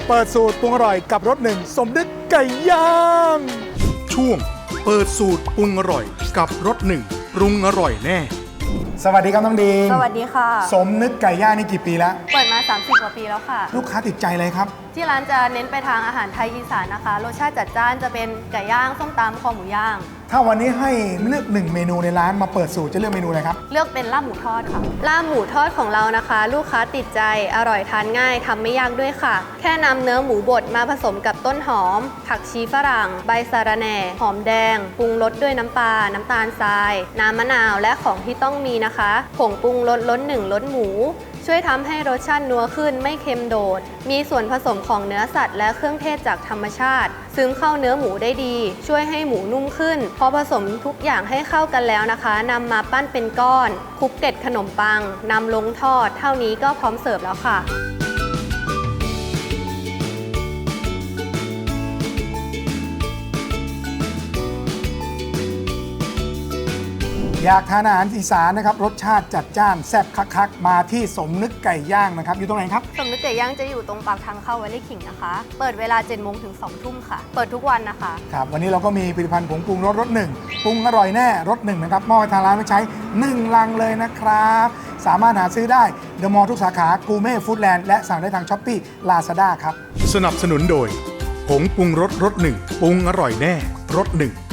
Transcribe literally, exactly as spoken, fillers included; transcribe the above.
เปิดสูตรปรุงอร่อยกับรสหนึ่งสมนึกไก่ย่างช่วงเปิดสูตรปรุงอร่อยกับรสหนึ่งปรุงอร่อยแน่สวัสดีครับน้องดีมสวัสดีค่ะสมนึกไก่ย่างนี่กี่ปีแล้วเปิดมาสามสิบกว่าปีแล้วค่ะลูกค้าติดใจเลยครับที่ร้านจะเน้นไปทางอาหารไทยอีสานนะคะรสชาติจัดจ้านจะเป็นไก่ย่างส้มตำคอหมูย่างถ้าวันนี้ให้เลือกหนึ่งเมนูในร้านมาเปิดสูตรจะเลือกเมนูอะไรครับเลือกเป็นลาบหมูทอดค่ะลาบหมูทอดของเรานะคะ ลูกค้าติดใจอร่อยทานง่ายทำไม่ยากด้วยค่ะแค่นำเนื้อหมูบดมาผสมกับต้นหอมผักชีฝรั่งใบสะระแหน่หอมแดงปรุงรสด้วยน้ำปลาน้ำตาลทรายน้ำมะนาวและของที่ต้องมีนะคะผงปรุงรสล้นหนึ่งล้นหมูช่วยทำให้รสชาตินัวขึ้นไม่เค็มโดดมีส่วนผสมของเนื้อสัตว์และเครื่องเทศจากธรรมชาติซึมเข้าเนื้อหมูได้ดีช่วยให้หมูนุ่มขึ้นพอผสมทุกอย่างให้เข้ากันแล้วนะคะนำมาปั้นเป็นก้อนคลุกเกล็ดขนมปังนำลงทอดเท่านี้ก็พร้อมเสิร์ฟแล้วค่ะอยากทานอาหารอีสานนะครับรสชาติจัดจ้านแซ่บคักๆมาที่สมนึกไก่ย่างนะครับอยู่ตรงไหนครับสมนึกไก่ย่างจะอยู่ตรงปากทางเข้าวัดไร่ขิงนะคะเปิดเวลาเจ็ดโมงถึงสองทุ่มค่ะเปิดทุกวันนะคะครับวันนี้เราก็มีผลิตภัณฑ์ผงปรุงรสรสหนึ่งปรุงอร่อยแน่รสหนึ่งนะครับมอบให้ทางร้านไปใช้หนึ่งลังเลยนะครับสามารถหาซื้อได้เดอะมอลล์ทุกสาขากูเม่ฟู้ดแลนด์และสั่งได้ทางช้อปปี้ลาซาด้าครับสนับสนุนโดยผงปรุงรสรสหนึ่งปรุงอร่อยแน่รสหนึ่ง